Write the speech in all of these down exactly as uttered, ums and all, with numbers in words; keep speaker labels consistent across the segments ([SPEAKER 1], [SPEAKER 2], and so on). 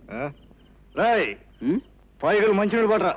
[SPEAKER 1] రాయ్ పైగలు మంచినీళ్ళు పడరా.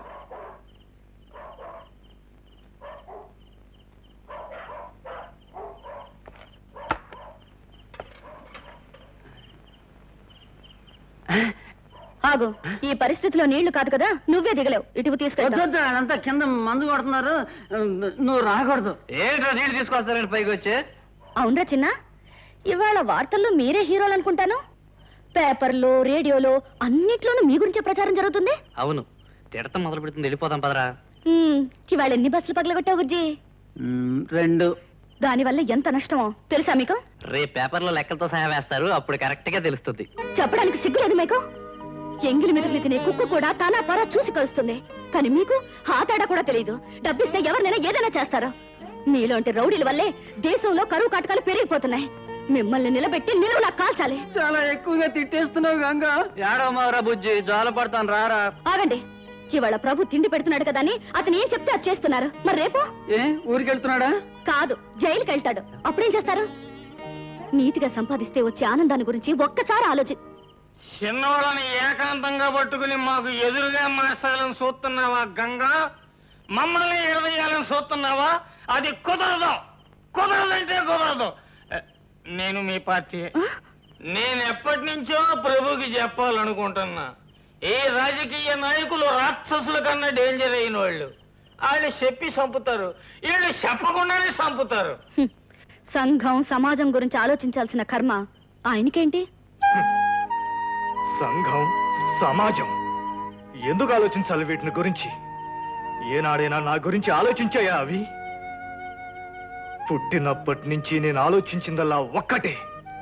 [SPEAKER 2] ఆగు, ఈ పరిస్థితిలో నీళ్లు కాదు కదా, నువ్వే దిగలేవు. ఇటుకు తీసుకెళ్తా.
[SPEAKER 3] అదంతా కింద మందు కొడుతున్నారు, నువ్వు రాకూడదు.
[SPEAKER 4] ఏంటో నీళ్ళు తీసుకొస్తారండి పైకి వచ్చి.
[SPEAKER 2] అవునరా చిన్న, ఇవాళ వార్తల్లో మీరే హీరోలు అనుకుంటాను. పేపర్లో రేడియోలో అన్నిట్లోనూ మీ గురించే ప్రచారం జరుగుతుంది.
[SPEAKER 4] అవును, తిడతం మొదలు పెడుతుంది. వెళ్ళిపోతాం పదరా.
[SPEAKER 2] ఇవాళ ఎన్ని బస్సులు పగలగొట్టావు గుజ్జి?
[SPEAKER 3] రెండు.
[SPEAKER 2] దానివల్ల ఎంత నష్టమో తెలుసా మీకు?
[SPEAKER 4] రేపు పేపర్లో లెక్కలతో సహా వేస్తారు, అప్పుడు కరెక్ట్ గా తెలుస్తుంది.
[SPEAKER 2] చెప్పడానికి సిగ్గులేదు మీకు? ఎంగిలి మెతుకులు తినే కుక్క కూడా తానా పరా చూసి కలుస్తుంది, కానీ మీకు ఆ తేడా కూడా తెలియదు. డబ్బిస్తే ఎవరినైనా ఏదైనా చేస్తారు. మీలోంటి రౌడీల వల్లే దేశంలో కరువు కాటకాలు పెరిగిపోతున్నాయి. మిమ్మల్ని నిలబెట్టి నిలువులా కాల్చాలి.
[SPEAKER 3] చాలా ఎక్కువగా తిట్టేస్తున్నావు గంగా.
[SPEAKER 4] ఏడవ మారా బుజ్జి, జాల పడతాను రారా.
[SPEAKER 2] ఆగండి, ఇవాళ ప్రభు తిండి పెడుతున్నాడు కదా అని అతను ఏం చెప్తే అది చేస్తున్నారు. మరి రేపు
[SPEAKER 3] ఏ ఊరికెళ్తున్నాడా?
[SPEAKER 2] కాదు, జైలుకి వెళ్తాడు. అప్పుడేం చేస్తారు? నీతిగా సంపాదిస్తే వచ్చే ఆనందాన్ని గురించి ఒక్కసారి ఆలోచి.
[SPEAKER 5] చిన్నవాళ్ళని ఏకాంతంగా పట్టుకుని మాకు ఎదురుగా మార్చాలని చూస్తున్నావా గంగా? మమ్మల్ని ఎడదీయాలని చూస్తున్నావా? అది కుదరదు, కుదరదంటే కుదరదు. నేను మీ పార్టీ. నేను ఎప్పటి నుంచో ప్రభుకి చెప్పాలనుకుంటున్నా, ఏ రాజకీయ నాయకులు రాక్షసుల కన్నా డేంజర్ అయిన వాళ్ళు. వాళ్ళు చెప్పి చంపుతారు, వీళ్ళు చెప్పకుండానే చంపుతారు.
[SPEAKER 2] సంఘం సమాజం గురించి ఆలోచించాల్సిన కర్మ ఆయనకేంటి?
[SPEAKER 1] సంఘం సమాజం ఎందుకు ఆలోచించాలి వీటిని గురించి? ఏనాడైనా నా గురించి ఆలోచించాయా అవి? పుట్టినప్పటి నుంచి నేను ఆలోచించిందల్లా ఒక్కటే,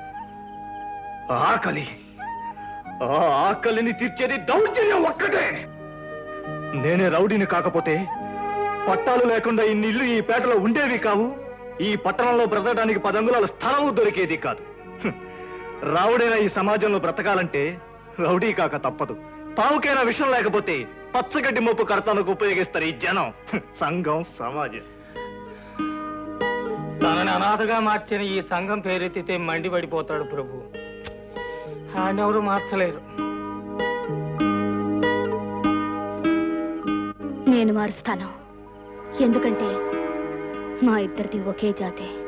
[SPEAKER 1] ఆకలి. ఆ ఆకలిని తీర్చేది దౌర్జన్యం ఒక్కటే. నేనే రౌడీని కాకపోతే పట్టాలు లేకుండా ఇన్ని ఇల్లు ఈ పేటలో ఉండేవి కావు. ఈ పట్టణంలో బ్రతకడానికి పదంగులాల స్థలం దొరికేది కాదు. రావుడైన ఈ సమాజంలో బ్రతకాలంటే రౌడీ కాక తప్పదు. పావుకైనా విషయం లేకపోతే పచ్చగడ్డి మోపు కడతానికి ఉపయోగిస్తారు ఈ జనం. సంఘం సమాజం.
[SPEAKER 5] తనని అనాథగా మార్చిన ఈ సంఘం పేరెత్తితే మండిపడిపోతాడు ప్రభు. ఆయనెవరు మార్చలేరు.
[SPEAKER 2] నేను మారుస్తాను, ఎందుకంటే మా ఇద్దరిది ఒకే జాతి.